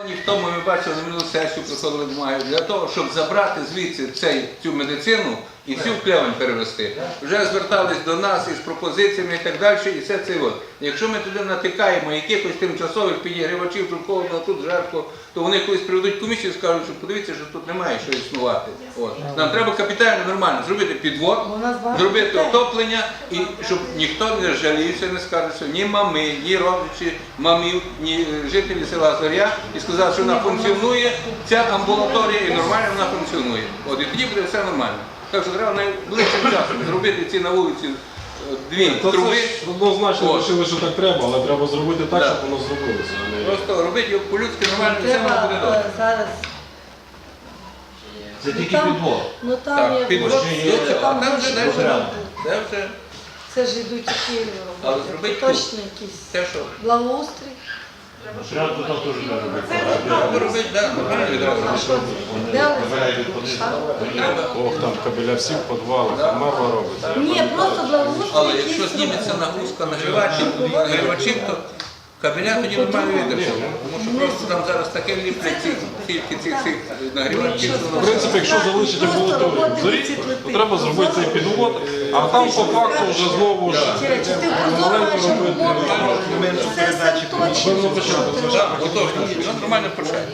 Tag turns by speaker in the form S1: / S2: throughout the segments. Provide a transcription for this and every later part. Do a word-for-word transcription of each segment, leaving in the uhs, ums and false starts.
S1: Ніхто, ми бачили, на минулу сесію приходили бумаги, для того, щоб забрати звідси цей, цю медицину і всю в Клевень перевести. Вже звертались до нас із пропозиціями і так далі, і все це от. Якщо ми туди натикаємо якихось тимчасових підігрівачів, тут холодно, тут жарко, то вони колись приведуть комісію і скажуть, що подивіться, що тут немає що існувати. От. Нам треба капітально, нормально зробити підвод, зробити отоплення, і щоб ніхто не жалівся, не скаже, що ні мами, ні родичі мамів, ні жителі села Зоря, і сказав, що вона функціонує, ця амбулаторія, і нормально вона функціонує. От, і тоді буде все нормально. Так що треба найближчим часом зробити ці на вулиці дві
S2: То
S1: труби.
S2: це ж однозначно вирішили, що так треба, але треба зробити так,
S1: Да.
S2: щоб воно зробилося. а не-
S1: Просто робити його по-людськи нормально, і все воно буде
S3: Треба
S1: добре.
S3: е, зараз.
S4: Це
S3: Ну,
S4: тільки
S3: там-
S4: підвод.
S3: Ну там
S1: Так,
S3: як
S1: підвод
S3: вже
S1: є,
S3: є,
S1: а
S3: там
S1: там вже
S3: вже
S1: далі
S4: порядок.
S1: Це вже
S3: це ж йдуть такі
S1: Але
S3: роботи.
S1: зробити
S3: Точно якісь
S1: те, що
S3: благоустрій.
S4: Прямо тут там теж треба робити.
S1: треба робити, так, нормально відразу
S3: А що
S1: робити.
S3: це? Де вони?
S1: Треба.
S2: Ох, там кабеля всі в підвалах, там мерва робиться.
S3: Ні, просто благоустрій.
S1: Але
S3: якийсь
S1: якщо зніметься
S3: робити.
S1: нагрузка нагрівачів, нагрівачів, то кабеля тоді нормально видержить. Тому що просто там зараз таке ліплять ці тільки цих цих нагрівачів. що
S2: В
S1: воно-
S2: принципі, якщо залишити амбулаторію в зорі, то треба зробити цей підвод, а там по факту вже знову ж
S3: Чи ти
S2: маленько
S3: прозоро
S2: робити.
S3: робити? Це все точно.
S1: Так, отож, воно нормально почає.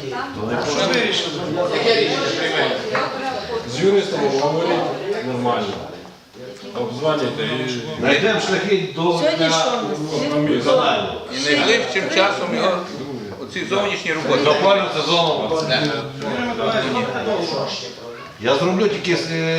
S2: З юристом говорити нормально. Обзвонюйте і
S4: Знайдемо шляхи до
S3: Сьогодні що у нас?
S4: каналу.
S1: І найближчим часом його оці зовнішні роботи.
S4: До опалювального сезону. Я зроблю тільки